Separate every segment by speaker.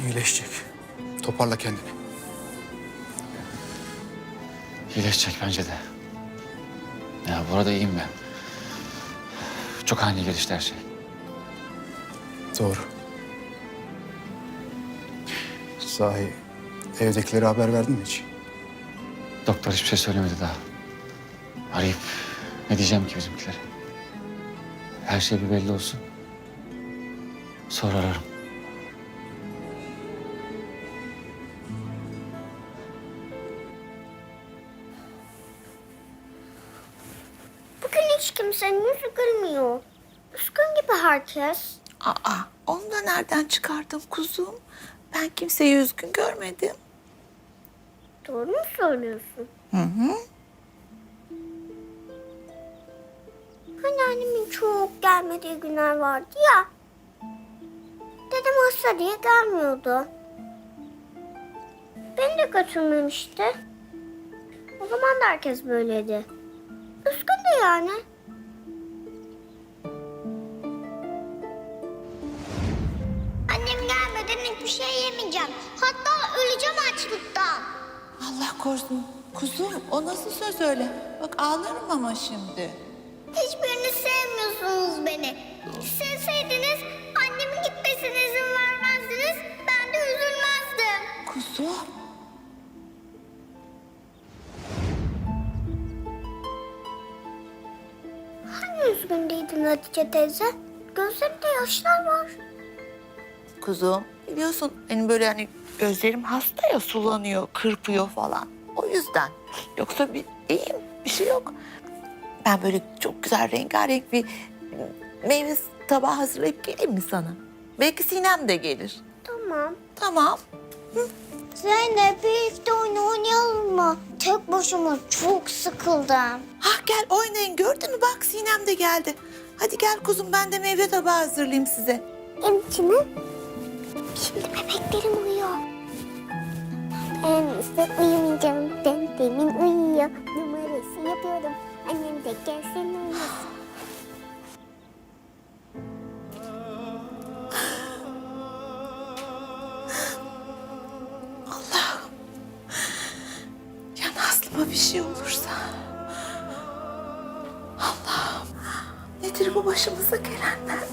Speaker 1: İyileşecek. Toparla kendini.
Speaker 2: İyileşecek bence de. Ya bu arada iyiyim ben. Çok ani gelişti her şey.
Speaker 1: Doğru. Sahi evdekilere haber verdin mi hiç?
Speaker 2: Doktor hiçbir şey söylemedi daha. Arayıp ne diyeceğim ki bizimkilere? Her şey bir belli olsun. Sonra ararım.
Speaker 3: Bugün hiç kimsenin yüzü gülmüyor. Üzgün gibi herkes.
Speaker 4: Aa, onu da nereden çıkardın kuzum? Ben kimseyi üzgün görmedim.
Speaker 3: Doğru mu söylüyorsun?
Speaker 4: Hı hı.
Speaker 3: Hani annemin çok gelmediği günler vardı ya. Dedem hasta diye gelmiyordu. Beni de götürmemişti. O zaman da herkes böyleydi. Üzgündü yani. Annem gelmeden hiçbir şey yemeyeceğim. Hatta öleceğim açlıktan.
Speaker 4: Allah korusun. Kuzum o nasıl söz öyle? Bak ağlarım ama şimdi.
Speaker 3: Hiçbiriniz sevmiyorsunuz beni. Sevseydiniz annemin gitmesine izin vermezdiniz. Ben de üzülmezdim.
Speaker 4: Kuzum.
Speaker 3: Hani üzgün değildin Hatice teyze? Gözlerinde yaşlar var.
Speaker 4: Kuzum biliyorsun benim böyle hani gözlerim hasta ya sulanıyor, kırpıyor falan. O yüzden. Yoksa iyiyim, bir şey yok. Ben böyle çok güzel rengarenk bir meyve tabağı hazırlayıp geleyim mi sana? Belki Sinem de gelir.
Speaker 3: Tamam.
Speaker 4: Tamam.
Speaker 3: Zeynep birlikte oyun oynayalım mı? Tek başıma çok sıkıldım.
Speaker 4: Gel oynayın gördün mü bak Sinem de geldi. Hadi gel kuzum ben de meyve tabağı hazırlayayım size.
Speaker 3: Emçimi? Şimdi bebeklerim uyuyor. Ben ise uyumayacağım. Ben demin uyuyor. Numarası yapıyorum. Annem de gelsin uyusun.
Speaker 4: Ya Nazlı'ma bir şey olursa? Allah'ım nedir bu başımıza gelenler?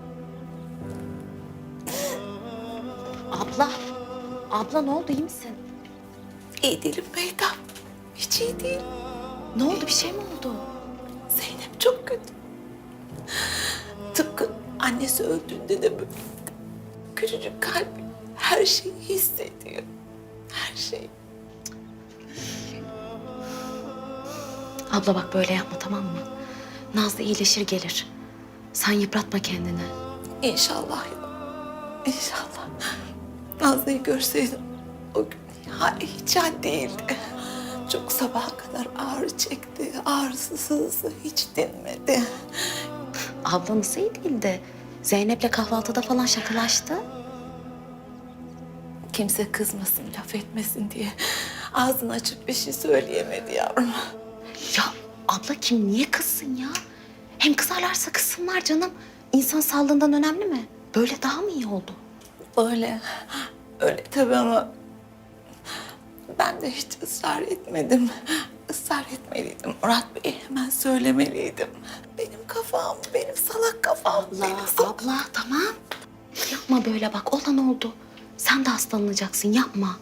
Speaker 5: Abla ne oldu, iyi misin?
Speaker 4: İyi değilim Mehtap. Hiç iyi değil.
Speaker 5: Ne oldu, bir şey mi oldu?
Speaker 4: Zeynep çok kötü. Tıpkı annesi öldüğünde de böyle. Küçücük kalbi her şeyi hissediyor. Her şeyi.
Speaker 5: Abla bak böyle yapma, tamam mı? Nazlı iyileşir gelir. Sen yıpratma kendini.
Speaker 4: İnşallah ya. İnşallah. Nazlı'yı görseydim o gün hiç hal değildi. Çok sabaha kadar ağrı çekti. Ağrısı sızdı hiç dinmedi.
Speaker 5: Abla nasıl iyi değildi? Zeynep'le kahvaltıda falan şakalaştı.
Speaker 4: Kimse kızmasın, laf etmesin diye ağzını açıp bir şey söyleyemedi yavrum.
Speaker 5: Ya abla kim niye kızsın ya? Hem kızarlarsa kızsınlar canım. İnsan sağlığından önemli mi? Böyle daha mı iyi oldu?
Speaker 4: Öyle tabii ama ben de hiç ısrar etmedim. Israr etmeliydim. Murat Bey'e hemen söylemeliydim. Benim kafam, benim salak kafam.
Speaker 5: Abla tamam. Yapma böyle bak, olan oldu. Sen de hastalanacaksın, yapma.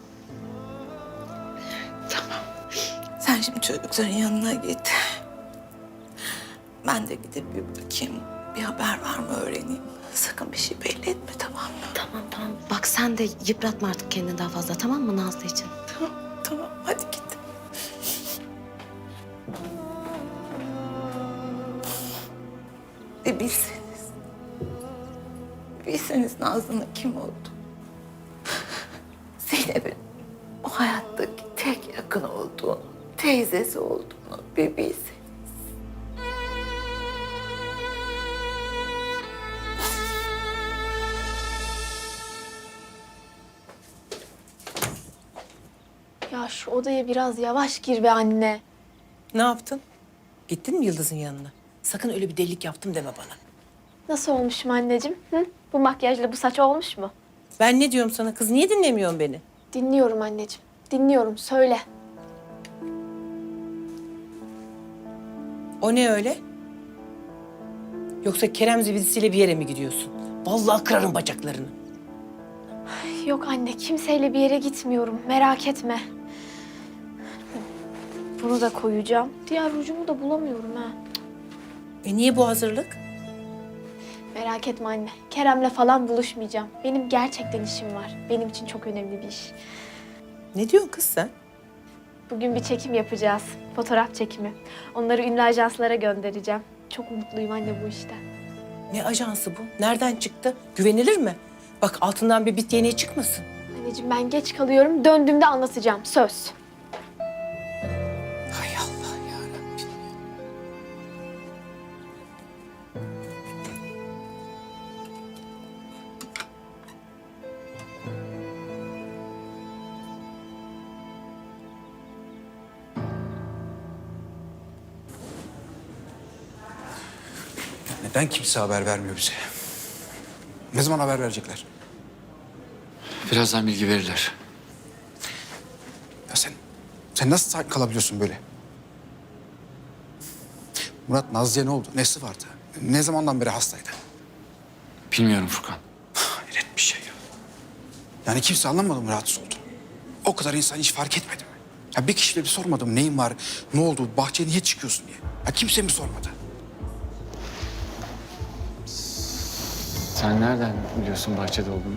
Speaker 4: Tamam. Sen şimdi çocukların yanına git. Ben de gidip bir bakayım. Bir haber var mı öğreneyim. Sakın bir şey belli etme tamam mı?
Speaker 5: Tamam. Bak sen de yıpratma artık kendini daha fazla, tamam mı Nazlı için?
Speaker 4: Tamam hadi git. Bir bilseniz. Bilseniz Nazlı'nın kim oldu. Zeynep'in o hayattaki tek yakın olduğunu, teyzesi olduğunu bir bilseniz.
Speaker 6: Ya şu odaya biraz yavaş gir be anne.
Speaker 7: Ne yaptın? Gittin mi Yıldız'ın yanına? Sakın öyle bir delilik yaptım deme bana.
Speaker 6: Nasıl olmuşum anneciğim? Hı? Bu makyajla bu saç olmuş mu?
Speaker 7: Ben ne diyorum sana kız? Niye dinlemiyorsun beni?
Speaker 6: Dinliyorum anneciğim. Dinliyorum. Söyle.
Speaker 7: O ne öyle? Yoksa Kerem zibidisiyle bir yere mi gidiyorsun? Vallahi kırarım bacaklarını.
Speaker 6: Yok anne, kimseyle bir yere gitmiyorum. Merak etme. Bunu da koyacağım. Diğer rujumu da bulamıyorum ha.
Speaker 7: Niye bu hazırlık?
Speaker 6: Merak etme anne. Kerem'le falan buluşmayacağım. Benim gerçekten işim var. Benim için çok önemli bir iş.
Speaker 7: Ne diyorsun kız sen?
Speaker 6: Bugün bir çekim yapacağız. Fotoğraf çekimi. Onları ünlü ajanslara göndereceğim. Çok mutluyum anne bu işten.
Speaker 7: Ne ajansı bu? Nereden çıktı? Güvenilir mi? Bak altından bir bit yeniği çıkmasın.
Speaker 6: Anneciğim ben geç kalıyorum. Döndüğümde anlatacağım. Söz.
Speaker 7: Hay Allah yarabbim.
Speaker 1: Neden kimse haber vermiyor bize? Ne zaman haber verecekler?
Speaker 2: Birazdan bilgi verirler.
Speaker 1: Ya sen nasıl sakin kalabiliyorsun böyle? Murat Nazlı'ya ne oldu? Nesi vardı? Ne zamandan beri hastaydı?
Speaker 2: Bilmiyorum Furkan.
Speaker 1: Hayret bir şey ya. Yani kimse anlamadı mı rahatsız oldu? O kadar insan hiç fark etmedi mi? Ya bir kişiyle bir sormadım neyin var, ne oldu, bahçeye niye çıkıyorsun diye. Ya kimse mi sormadı?
Speaker 2: Sen nereden biliyorsun bahçede olduğunu?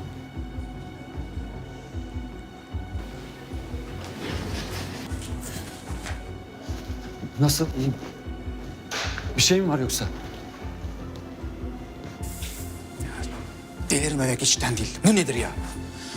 Speaker 2: Nasıl? İyiyim. Bir şey mi var yoksa?
Speaker 1: Delirmemek içten değil. Bu nedir ya?